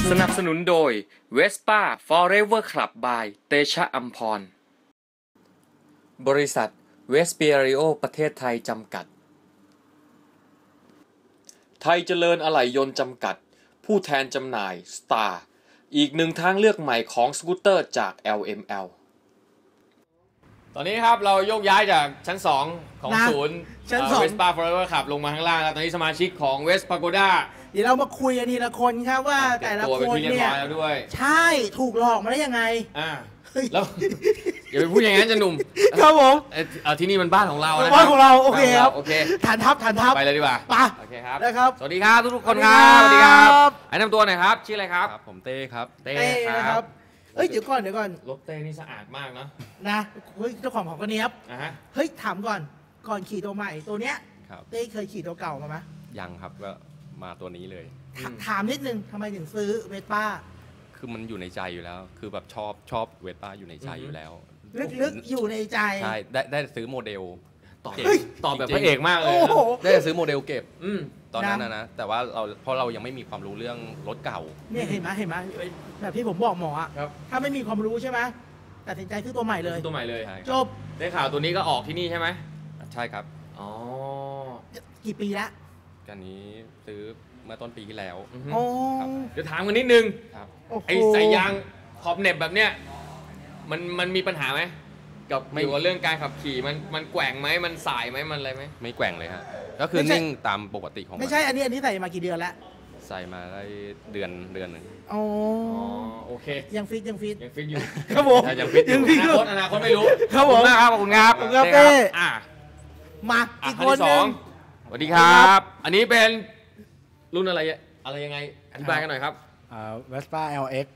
สนับสนุนโดย Vespa Forever Club by เตชะอัมพรบริษัทเวสเปียริโอประเทศไทยจำกัดไทยเจริญอะไหล่ยนต์จำกัดผู้แทนจำหน่าย Star อีกหนึ่งทางเลือกใหม่ของสกูตเตอร์จาก LML ตอนนี้ครับเราโยกย้ายจากชั้น 2 ของศูนย์เวสป้า Forever Club ลงมาข้างล่างแล้วตอนนี้สมาชิกของเวสปาโกด้าเดี๋ยวเรามาคุยกันทีละคนครับว่าแต่ละคนเนี่ยใช่ถูกหลอกมาได้ยังไงแล้วอย่าไปพูดอย่างนั้นจะหนุ่มครับผมที่นี่มันบ้านของเรานะบ้านของเราโอเคครับโอเคฐานทัพไปเลยดีกว่าโอเคครับนะครับสวัสดีครับทุกคนครับสวัสดีครับแนะนำตัวหน่อยครับชื่ออะไรครับผมเต้ครับเต้ครับเดี๋ยวก่อนรถเต้นี่สะอาดมากนะเฮ้ยเจ้าของก็เนี้ยบเฮ้ยถามก่อนขี่ตัวใหม่ตัวเนี้ยเต้เคยขี่ตัวเก่ามาไหมยังครับก็มาตัวนี้เลยถามนิดนึงทำไมถึงซื้อเวสป้าคือมันอยู่ในใจอยู่แล้วคือแบบชอบเวสป้าอยู่ในใจอยู่แล้วลึกๆอยู่ในใจใช่ได้ซื้อโมเดลตอบแบบพระเอกมากเลยได้ซื้อโมเดลเก็บตอนนั้นนะแต่ว่าเพราะเรายังไม่มีความรู้เรื่องรถเก่าเนี่ยเห็นไหมแบบที่ผมบอกหมออ่ะถ้าไม่มีความรู้ใช่ไหมตัดสินใจซื้อตัวใหม่เลยจบได้ข่าวตัวนี้ก็ออกที่นี่ใช่ไหมใช่ครับอ๋อกี่ปีแล้วกันนี้ซื้อเมื่อต้นปีที่แล้วเดี๋ยวถามกันนิดนึงไอ้สายยางขอบเน็บแบบเนี้ยมันมีปัญหาไหมกับเกี่ยวกับเรื่องการขับขี่มันแกว่งไหมมันสายไหมมันอะไรไหมไม่แกว่งเลยฮะก็คือนิ่งตามปกติของมันไม่ใช่อันนี้ใส่มากี่เดือนแล้วใส่มาได้เดือนหนึ่งอ๋อโอเคยังฟิตอยู่ครับผมยังฟิตอยู่อนาคตไม่รู้ครับผมขอบคุณครับมาอีกคนนึงสวัสดีครับอันนี้เป็นรุ่นอะไรยังไงอธิบายกันหน่อยครับ Vespa LX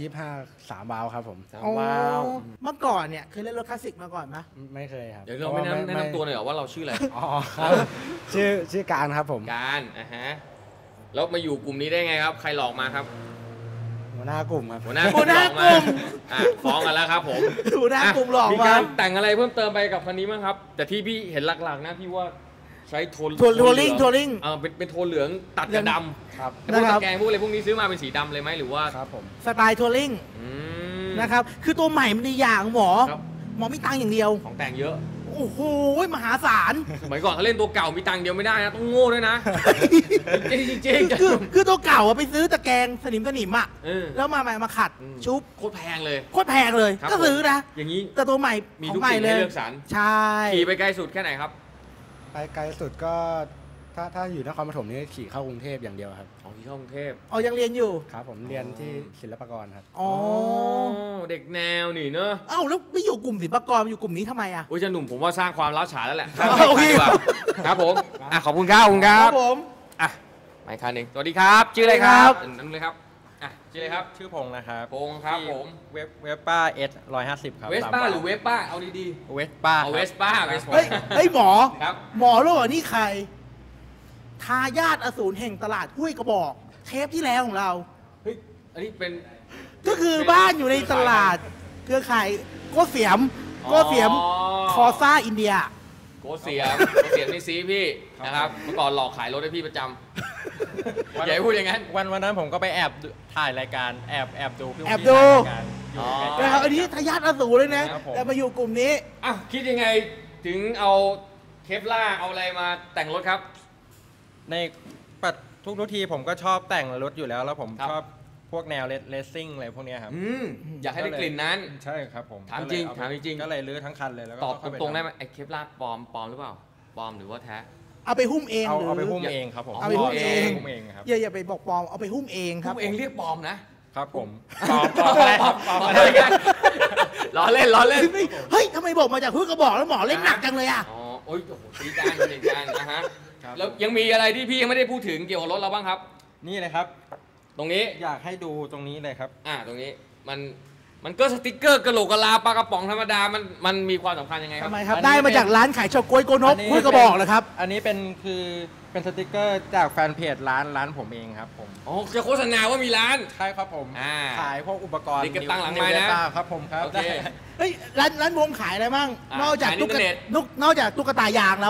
125 3 วาล์วครับผม 3 วาล์วเมื่อก่อนเนี่ยเคยเล่นรถคลาสสิกมาก่อนไหมไม่เคยครับเดี๋ยวเราไม่แนะนำตัวหน่อยเหรอว่าเราชื่ออะไรอ๋อครับชื่อการครับผมการแล้วมาอยู่กลุ่มนี้ได้ไงครับใครหลอกมาครับหัวหน้ากลุ่มครับหัวหน้ากลุ่มฟ้องกันแล้วครับผมหัวหน้ากลุ่มหลอกมีการแต่งอะไรเพิ่มเติมไปกับคันนี้มั้งครับแต่ที่พี่เห็นหลักๆนะพี่ว่าใช้โทนลิ่งเป็นโทนเหลืองตัดกับดำครับพวกตะแกรงพวกอะไรพวกนี้ซื้อมาเป็นสีดำเลยไหมหรือว่าครับผมสไตล์โทลิ่งนะครับคือตัวใหม่มันดีอย่างหมอมีตังค์อย่างเดียวของแต่งเยอะโอ้โหมหาศาลสมัยก่อนเขาเล่นตัวเก่ามีตังค์เดียวไม่ได้นะต้องโง่ด้วยนะจริงคือตัวเก่าไปซื้อตะแกรงสนิมอ่ะแล้วมาขัดชุบโคตรแพงเลยก็ซื้อนะอย่างนี้แต่ตัวใหม่มีทุกสิ่งให้เลือกสรรใช่ขี่ไปไกลสุดแค่ไหนครับไปไกลสุดก็ถ้าอยู่นครปฐมนี่ขี่เข้ากรุงเทพอย่างเดียวครับขี่เข้ากรุงเทพยังเรียนอยู่ครับผมเรียนที่ศิลปากรครับเด็กแนวนี่เนอะแล้วไม่อยู่กลุ่มศิลปากรอยู่กลุ่มนี้ทำไมอ่ะโอ้ยจะหนุ่มผมว่าสร้างความร้าวฉานแล้วแหละโอเคครับผมขอบคุณครับผมไม่คันหนึ่งสวัสดีครับชื่ออะไรครับนั่นเลยครับชื่ออะไรครับชื่อพงษ์นะครับพงษ์ครับผมเวสป้า S150 ครับเวสป้าหรือเวสป้าเอาดีๆเวสป้าเวสป้าเฮ้ยหมอรู้เหรอนี่ใครทายาทอสูรแห่งตลาดห้วยกระบอกเทปที่แล้วของเราเฮ้ยอันนี้เป็นก็คือบ้านอยู่ในตลาดเครือข่ายโกเสียมคอซ่าอินเดียโกเสียมนี่ซีพี่นะครับเมื่อก่อนหลอกขายรถให้พี่ประจำอย่าพูดอย่างนั้นวันนั้นผมก็ไปแอบถ่ายรายการแอบดูนะครับอันนี้ทายาทอสูรเลยนะแต่มาอยู่กลุ่มนี้คิดยังไงถึงเอาเคปล่าเอาอะไรมาแต่งรถครับในทุกทีผมก็ชอบแต่งรถอยู่แล้วผมชอบพวกแนวเลสซิ่งอะไรพวกนี้ครับอยากให้ได้กลิ่นนั้นใช่ครับผมถามจริงก็เลยรื้อทั้งคันเลยแล้วก็ตอบตรงๆได้ไหมไอ้เคปล่าปลอมหรือเปล่าปลอมหรือว่าแท้เอาไปหุ้มเองเอาไปหุ้มเองครับผมเอาไปหุ้มเองครับอย่าไปบอกปลอมเอาไปหุ้มเองครับหุ้มเองเรียกปลอมนะครับผมปลอมอะไรกันล้อเล่นเฮ้ยทำไมบอกมาจากห้วยกระบอกแล้วหมอเล่นหนักจังเลยอ่ะโอ้ยตีกันนะฮะแล้วยังมีอะไรที่พี่ยังไม่ได้พูดถึงเกี่ยวกับรถเราบ้างครับนี่เลยครับตรงนี้อยากให้ดูตรงนี้เลยครับตรงนี้มันก็สติ๊กเกอร์กระโหลกกะลาปลากระป๋องธรรมดามันมีความสำคัญยังไงครับทำไมครับได้มาจากร้านขายเฉาก๊วยโกนกห้วยกระบอกเลยครับอันนี้เป็นสติ๊กเกอร์จากแฟนเพจร้านผมเองครับผมจะโฆษณาว่ามีร้านใช่ครับผมขายพวกอุปกรณ์ติดกระตั้งหลังไม้นะครับผมครับเฮ้ยร้านวงขายอะไรบ้างนอกจากตุ๊กตายางแล้ว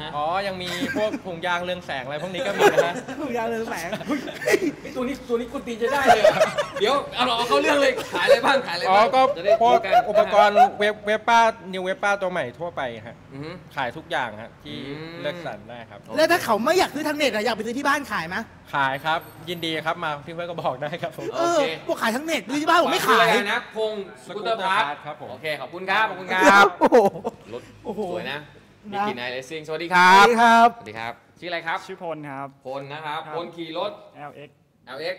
ฮะอ๋อ ยังมีพวกถุงยางเรืองแสงอะไรพวกนี้ก็มีนะฮะถูกยางเรืองแสงตัวนี้กุตีจะได้เลยอะเดี๋ยวเอาเข้าเรื่องเลยขายอะไรบ้างขายอะไรอ๋อบ้างก็จะได้พวกรู้นอุปกรณ์เวบป้านิวเวบป้าตัวใหม่ทั่วไปฮะอือฮึขายทุกอย่างฮะที่อืมเลือกสรรได้ครับแล้วถ้าเขาไม่อยากซื้อทางเน็ตอะอยากไปซื้อที่บ้านขายไหมขายครับ ยินดีครับมาที่เพื่อนก็บอกได้ครับผมเออพวกขายทั้งเน็ตซื้อที่บ้านผมไม่ขายชื่ออะไรนะพงศ์สกูตเตอร์พาร์ทครับผมโอเคขอบคุณครับขอบคุณคครัรับ บโอ้โหรถโอ้โหสวยนะมีนะกี่นายเลสซิ่งสวัสดีคสรัวับสดีครับสวัสดีครับชื่ออะไรครับชื่อพลครับพลนะครับครับพลขี่รถ LX LX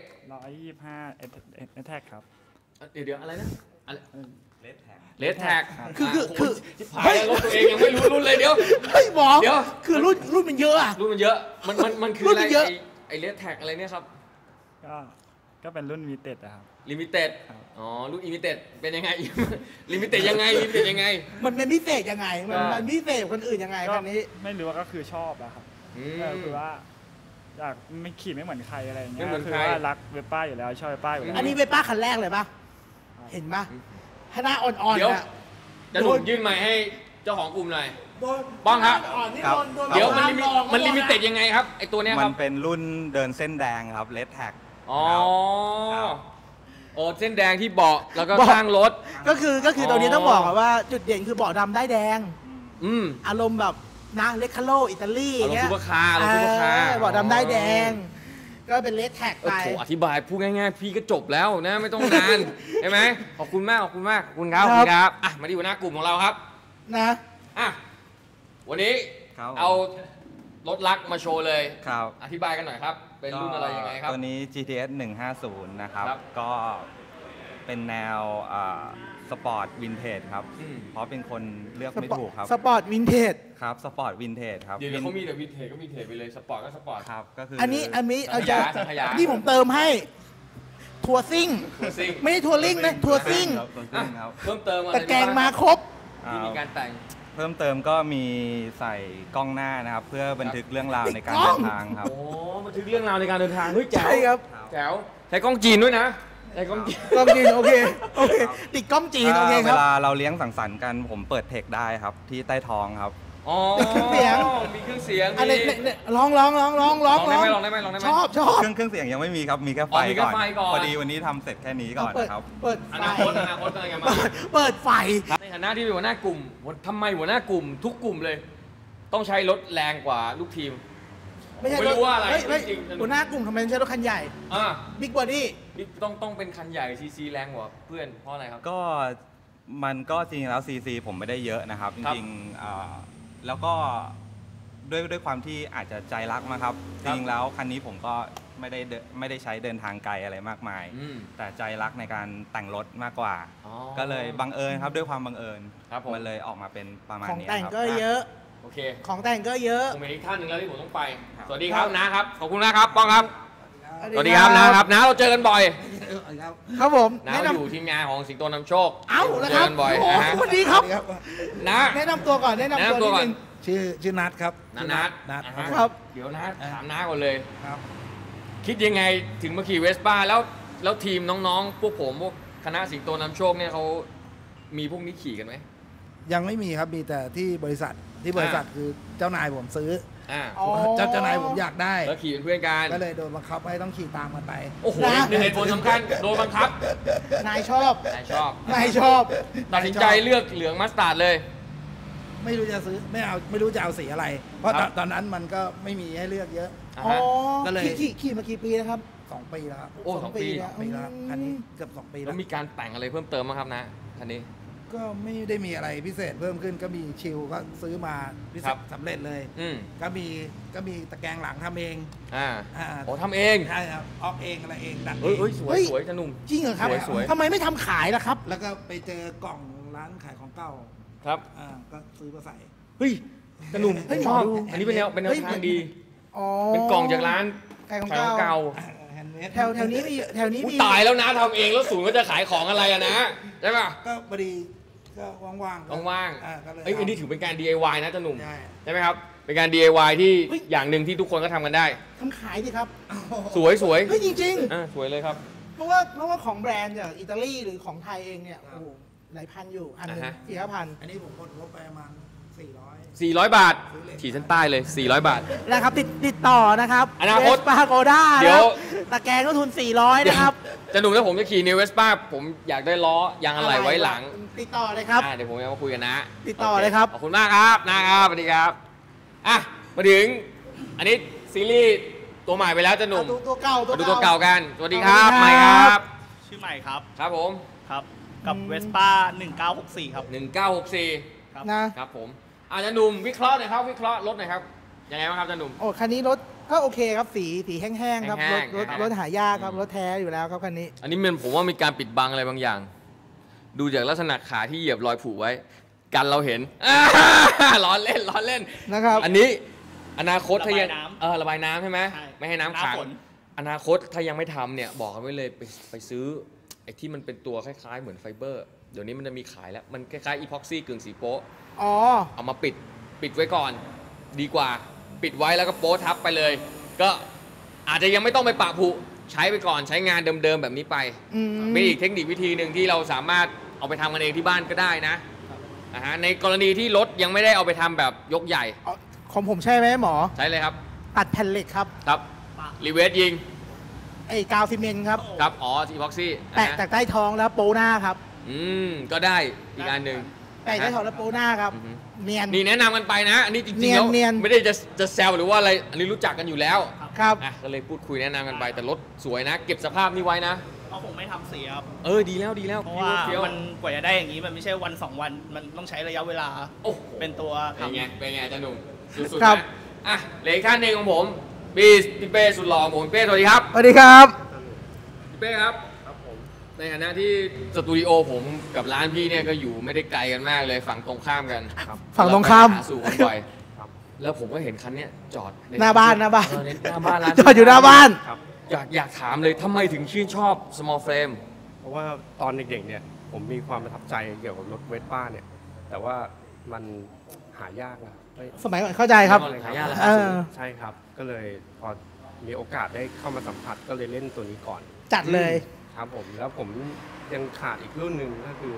125 Attack ครับเดี๋ยวอะไรนะเลดแท็กคือที่ผ่านแล้วรถตัวเองยังไม่รู้รุ่นเลยเดี๋ยวเฮ้ยหมอเดี๋ยวคือรุ่นมันเยอะอะรุ่นมันเยอะมันคือรุ่นอะไรมันเยอะไอ้เลดแท็กอะไรเนี่ยครับก็เป็นรุ่นมีเต็ดครับลิมิเต็ดครับอ๋อรุ่นอิมิเต็ดเป็นยังไง ลิมิเต็ดยังไงลิมิเต็ดยังไงมันเป็นพิเศษยังไง มันอ่ามัมันพิเศษกว่าคนอื่นยังไงก็คันนี้ไม่รู้ว่าก็คือชอบอะครับอืก็มคือว่าอยากไม่ขี่ไม่เหมือนใครอะไรอย่างเงี้ไม่ยเหมือนคืใครว่ารักเวบป้าอยู่แล้วชอบเวบป้าอยู่แล้วอันนี้เป็นป้าคันแรกเลยปะเห็นปะถ้าหน้าอ่อนเดี๋ยวๆอะจะหนุนยื่นไมค์ให้เจ้าของกลุ่มหน่อยโดนป้องครับอ่อนๆนี่ครับโดนเดี๋ยวโดมันลิมิลองเต็ดยังไงครับไอตัวเนี้ยคมัรับนเป็นรุ่นเดินเส้นแดงครับเลดแท็กอ๋อครับโอ้เส้นแดงที่เบาะแล้วก็ข้างรถก็คือตัวนี้ต้องบอกก่อนว่าจุดเด่นคือเบาะดำได้แดงอืมอารมณ์แบบนะเลคคาโลอิตาลีอย่างเงี้ยอารมณ์ซุปเปอร์คาร์อารมณ์ซุปเปอร์คาร์เบาะดำได้แดง ก็เป็นเลสแท็กโอ้ไปโหอธิบายพูดง่ายๆพี่ก็จบแล้วนะไม่ต้องนาน ใช่ไหมขอบคุณมากขอบคุณมากขอบคุณครับขอบคุณครับอ่ะมาที่หัวหน้ากลุ่มของเราครับนะอ่ะวันนี้ครับเอารถลักมาโชว์เลยครับอธิบายกันหน่อยครับ เป็นรุ่นอะไรยังไงครับตัวนี้ GTS 150 นะครับครับก็เป็นแนวสปอร์ตวินเทจครับอืมเพราะเป็นคนเลือกไม่ถูกครับสปอร์ตวินเทจครับสปอร์ตวินเทจครับเดี๋ยวเขามีแต่วินเทจก็วินเทจไปเลยสปอร์ตก็สปอร์ตครับ ก็คืออัอันนี้เอาสัจะงขยานี่ผมเติมให้ทัวร์ซิ่งทัวร์ซิ่งไม่ได้ทัวร์ลิงนะทัวร์ซิ่งครับตัวซิ่งครับเพิ่มเติมอะไรแต่แกงมาครบที่มีการแต่งเพิ่มเติมก็มีใส่กล้องหน้านะครับ เพื่อบันทึกเรื่องราวในการกล้เดิองนทางครับโอ้บันทึกเรื่องราวในการเดินทางเฮ้ยแจ๋วใช่ครับแจ๋วใช้กล้องจีนด้วยนะใช้กล้องจีนกล้องจีนโอเคโอเคติดกล้องจีนโอเคคเวรับลาเราเลี้ยงสังสรรค์กันผมเปิดเทคได้ครับ ที่ใต้ท้องครับอ๋อมีเครื่องเสียงมีเครื่องเสียงอันนี้มีเนี่ยลองลองได้ไหมลองได้ไหมลองได้ไหมชอบเครื่องเสียงยังไม่มีครับ มีแค่ไฟอ๋อมีแค่ก่อนไฟก่อนพอดีวันนี้ทำเสร็จแค่นี้ก่อนเปิดนะครับเปิดอไฟนาคตกำลังจะมาเปิดไฟในฐานะที่เป็นหัวหน้ากลุ่มทำไมหัวหน้ากลุ่มทุกกลุ่มเลย ต้องใช้รถแรงกว่าลูกทีมไม่ใช่ไม่รู้ว่าอะไรเฮ้ยจริงๆหัวหน้ากลุ่มทำไมไม่ใช่รถคันใหญ่อ่าบิ๊กบอดี้นี่ต้องเป็นคันใหญ่ซีซีแรงกว่าเพื่อนเพราะอะไรครับก็มันก็จริงๆแล้วซีซีผมไม่ได้เยอะนะครับ จครับริงๆแล้วก็ด้วยความที่อาจจะใจรักมาครับคจรับริงๆแล้วคันนี้ผมก็ไม่ได้ใช้เดินทางไกลอะไรมากมายอืมแต่ใจรักในการแต่งรถมากกว่าอ๋อก็เลยบังเอิญครับด้วยความบังเอิญครับผมมันเลยออกมาเป็นประมาณของนี้แต่งครับก็เยอะโอเคของแต่งก็เยอะผมเป็นอีกท่านหนึ่งแล้วที่ผมต้องไปครับสวัสดีครับนะครับ ขอบคุณนะครับป้องครับ สวัสดีครับนะครับนะเราเจอกันบ่อยครับผมนะแนะนอยู่ทีมงานของสิงโตนำโชคำเอ้าแล้วเจคอรับกันบ่อยโอ้นะฮะสวัสดีครับนะแนะนำตัวก่อนแนะนำแนะนำตัตัววนิดก่อนนึงชื่อนัทครับนัทนัทอ่าฮะครับเดี๋ยวนะถามน้าก่อนเลยครับคิดยังไงถึงมาขี่เวสป้าแล้วทีมน้องๆ พวกผมพวกคณะสิงโตนำโชคเนี่ยเขามีพวกนี้ขี่กันไหมยังไม่มีครับมีแต่ที่บริษัทคือเจ้านายผมซื้ออ่าอ๋อเจ้านายผมอยากได้แล้วขี่เป็นเพื่อนกันก็เลยโดนบังคับให้ต้องขี่ตามกันไปโอ้โหนะนี่เหตุผลสำคัญโดนบังคับนายชอบนายชอบนายชอบตัดสินใจเลือกเหลืองมัสตาร์ดเลยไม่รู้จะซื้อไม่รู้จะเอาสีอะไร เพราะครับตอนนั้นมันก็ไม่มีให้เลือกเยอะอ่าอ๋อฮะก็เลยขี่มากี่ปีนะครับ 2 ปีแล้วครับโอ้สองปีแล้วปีแล้วอันนี้เกือบ2 ปีแล้แล้ว วมีการแต่งอะไรเพิ่มเติมไหมครับนะคันนี้ก็ไม่ได้มีอะไรพิเศษเพิ่มขึ้นก็มีชิลก็ซื้อมาพิเศครัษบสำเร็จเลยอืมก็มีตะแกรงหลังทำเองอ่าอ่าโอ้ทำเองใช่ครับออกเองอะไรเองดัดเอเฮ้ยงเฮ้ยสวยสวยจะหนุ่มจริงเหรอครับสวยๆทำไมไม่ทำขายล่ะครับแล้วก็ไปเจอกล่องร้านขายของเก่าครับก็ซื้อมาใส่เฮ้ยจะหนุ่มเฮ้ยชอบหมอดูอันนี้เป็นแนวเฮ้ยทางดีอ๋อเป็นกล่องจากร้านขายของขายของเก่าแฮนด์เมดแถวนี้มีแถวนี้อุ๊ยมีตายแล้วนะทำเองแล้วศูนย์ก็จะขายของอะไรอะนะใช่ป่ะก็พอดีก็ว่างๆก็ว่างก็เลยๆเอ้ยอันนี้ถือเป็นการ DIY นะจะหนุ่มใช่ใช่ไหมครับเป็นการ DIY ที่อย่างหนึ่งที่ทุกคนก็ทำกันได้ทำขายดิครับสวยสวยเฮ้ยจริงสวยเลยครับๆ เพราะว่าของแบรนด์จากอิตาลีหรือของไทยเองเนี่ยโอ้โหหลายพันอยู่อันหนึงอ่าฮะ 4-5 พันอันนี้ผมกดงบไปประมาณ400 400 บาทขีดเส้นใต้เลย400 บาทนะครับติดต่อนะครับอนาคตปาโกด้าเดี๋ยวตะแกรงก็ทุน 400 นะครับจะหนุ่มถ้าผมจะขี่นิวเวสป้าผมอยากได้ล้อยางอะไรไว้หลังติดต่อเลยครับเดี๋ยวผมจะมาคุยกันนะติดต่อเลยครับขอบคุณมากครับนะครับสวัสดีครับอ่ะมาถึงอันนี้ซีรีส์ตัวใหม่ไปแล้วจะหนุ่มดูตัวเก่ามาดูตัวเก่ากันสวัสดีครับสวัสดีครับใหม่ครับชื่อใหม่ครับครับผมครับ กับเวสป้า1964 ครับ 1964 ครับนะครับผมอาจารย์หนุ่มวิเคราะห์หน่อยครับวิเคราะห์รถหน่อยครับยังไงบ้างครับอาจารย์หนุ่มโอ้คันนี้รถก็โอเคครับสีแห้งๆครับแห้รง ถๆรถหายากครับอืมรถแท้อยู่แล้วครับคันนี้อันนี้มันผมว่ามีการปิดบังอะไรบางอย่าง ดูจากลักษณะขาที่เหยียบรอยผุไว้ กันเราเห็น ล้อเล่นล้อเล่นนะครับอันนี้อนาคตถ้ายังระบายน้ำระบายน้ำใช่ไหมใช่ไม่ให้น้ำขังหน้าฝนอนาคตถ้ายังไม่ทำเนี่ยบอกกันไว้เลยไปซื้อไอ้ที่มันเป็นตัวคล้ายๆเหมือนไฟเบอร์ เดี๋ยวนี้มันจะมีขายแล้วมันคล้ายๆอีพ็อกซี่กึ่งสีโป๊ะอ๋อเอามาปิดไว้ก่อน ดีกว่าปิดไว้แล้วก็โป๊ทับไปเลย ก็อาจจะยังไม่ต้องไปปะผุใช้ไปก่อนใช้งานเดิมๆแบบนี้ไปอืมเป็นอีกเทคนิควิธีหนึ่งที่เราสามารถเอาไปทำกันเองที่บ้านก็ได้นะในกรณีที่รถยังไม่ได้เอาไปทำแบบยกใหญ่ของผมใช่ไหมหมอใช้เลยครับตัดแผ่นเหล็กครับครับรีเวสยิงไอ้กาวซีเมนต์ครับครับอ๋อทีพ็อกซี่แปะจากใต้ท้องแล้วโปหน้าครับก็ได้อีกอันหนึ่งแปะใต้ท้องแล้วโปหน้าครับอือฮึเนียนนี่แนะนำกันไปนะ อันนี้จริงๆเนียนแล้วเนียนไม่ได้จะแซวหรือว่าอะไรอันนี้รู้จักกันอยู่แล้วครับก็เลยพูดคุยแนะนำกันไปแต่รถสวยนะ เก็บสภาพนี้ไว้นะเพราะผมไม่ทำเสียครับดีแล้วดีแล้วเพราะว่าเฟี้ยวมันกว่าจะได้อย่างนี้มันไม่ใช่วัน 2 วัน มันต้องใช้ระยะเวลาโอ้โหเป็นตัวเป็นไงทำเป็นไงอาจารย์หนุ่มสุดครัๆบนะอ่ะเหลืออีกท่านหนึ่งของผมพี่เป้สุดหล่อของผมเป้สวัสดีครับสวัสดีครับพี่เป้ครับในฐานะที่สตูดิโอผมกับร้านพี่เนี่ยก็อยู่ไม่ได้ไกลกันมากเลยฝั่งตรงข้ามกันฝั่งตรงข้ามเไปหสู่กันบ่อยแล้วผมก็เห็นคันเนี้ยจอดใหน้าบ้านเออหน้าบ้านร้านจอดอยู่หน้าบ้านอยากถามเลยทำไมถึงชื่นชอบ small frame เพราะว่าตอนเด็กๆเนี่ยผมมีความประทับใจเกี่ยวกับรถเวสป้าเนี่ย แต่ว่ามันหายากนะเฮ้ยสมัยก่อนเข้าใจครับหายากแล้วเออใช่ครับ ก็เลยพอมีโอกาสได้เข้ามาสัมผัสก็เลยเล่นตัวนี้ก่อนจัดเลยครับผมแล้วผมยังขาดอีกรุ่นหนึ่งก็คือ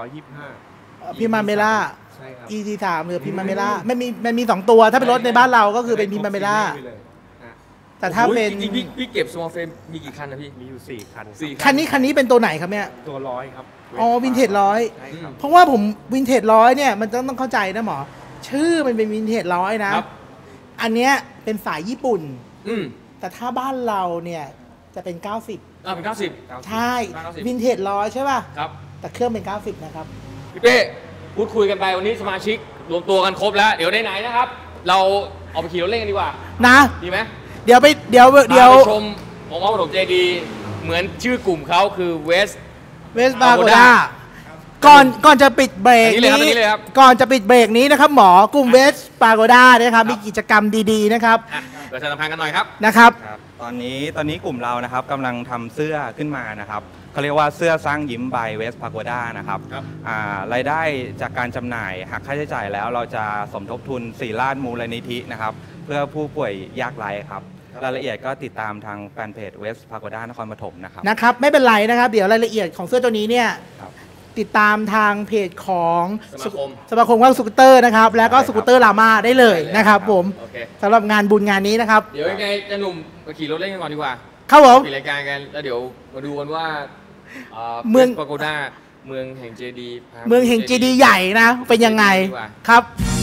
125 พิมาเมล่าใช่ครับ ET3 หรือพิมาเมล่ามันมี 2 ตัว ถ้าเป็นรถในบ้านเราก็คือเป็นพิมาเมล่าไปเลยฮะแต่ถ้าเป็นจริงๆพี่เก็บ small frame มีกี่คันนะพี่มีอยู่ 4 คันสี่คันนี้เป็นตัวไหนครับเนี่ยตัวร้อยครับอ๋อวินเทจร้อยใช่ครับเพราะว่าผมวินเทจร้อยเนี่ยมันต้องเข้าใจนะหมอ ชื่อมันเป็นวินเทจร้อยนะครับอันเนี้ยเป็นสายญี่ปุ่นอืมแต่ถ้าบ้านเราเนี่ยจะเป็น 90 เป็น90 ใช่ 90 วินเทจร้อยใช่ป่ะครับแต่เครื่องเป็น 90 นะครับพี่เป้พูดคุยกันไปวันนี้สมาชิกรวมตัวกันครบแล้ว เดี๋ยวไหนๆนะครับ เราเอาไปขี่รถเล่นกันดีกว่านะดีไหมเดี๋ยวพาไปชมของพ่อปฐมเจดีย์เหมือนชื่อกลุ่มเขาคือเวสเวสบาโกด้าก่อนจะปิดเบรกอันนี้เลยครับก่อนจะปิดเบรกนี้นะครับหมอกลุ่มเวสบาโกด้านะครับมีกิจกรรมดีๆนะครับประชาสัมพันธ์กันหน่อยครับนะครับครับตอนนี้กลุ่มเรานะครับกำลังทำเสื้อขึ้นมานะครับเขาเรียกว่าเสื้อสร้างยิ้ม by West Pagoda นะครับครับรายได้จากการจำหน่ายหักค่าใช้จ่ายแล้วเราจะสมทบทุนศิราชมูลนิธินะครับเพื่อผู้ป่วยยากไร้ครับรายละเอียดก็ติดตามทางแฟนเพจ West Pagoda นครปฐมนะครับนะครับไม่เป็นไรนะครับ เดี๋ยวรายละเอียดของเสื้อตัวนี้เนี่ยครับติดตามทางเพจของสมาคมว่างสกูตเตอร์นะครับแล้วก็สกูตเตอร์ลาม่าได้เลยนะครับผมโอเคสำหรับงานบุญงานนี้นะครับเดี๋ยวยังไงจะหนุ่มไปขี่รถเล่นกันก่อนดีกว่าครับผมปิดรายการกันแล้วเดี๋ยวมาดูกันว่าเมืองปาโกด้าเมืองแห่งเจดีย์เมืองแห่งเจดีย์ใหญ่นะเป็นยังไงดีกว่าครับ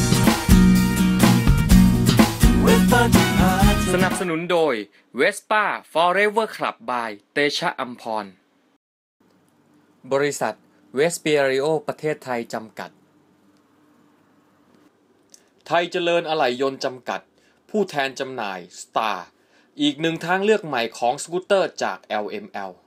สนับสนุนโดย Vespa Forever Club by เตชะอัมพร บริษัทเวสเปียริโอประเทศไทยจำกัด ไทยเจริญอะไหล่ยนต์จำกัด ผู้แทนจำหน่าย Star อีกหนึ่งทางเลือกใหม่ของสกูตเตอร์จาก LML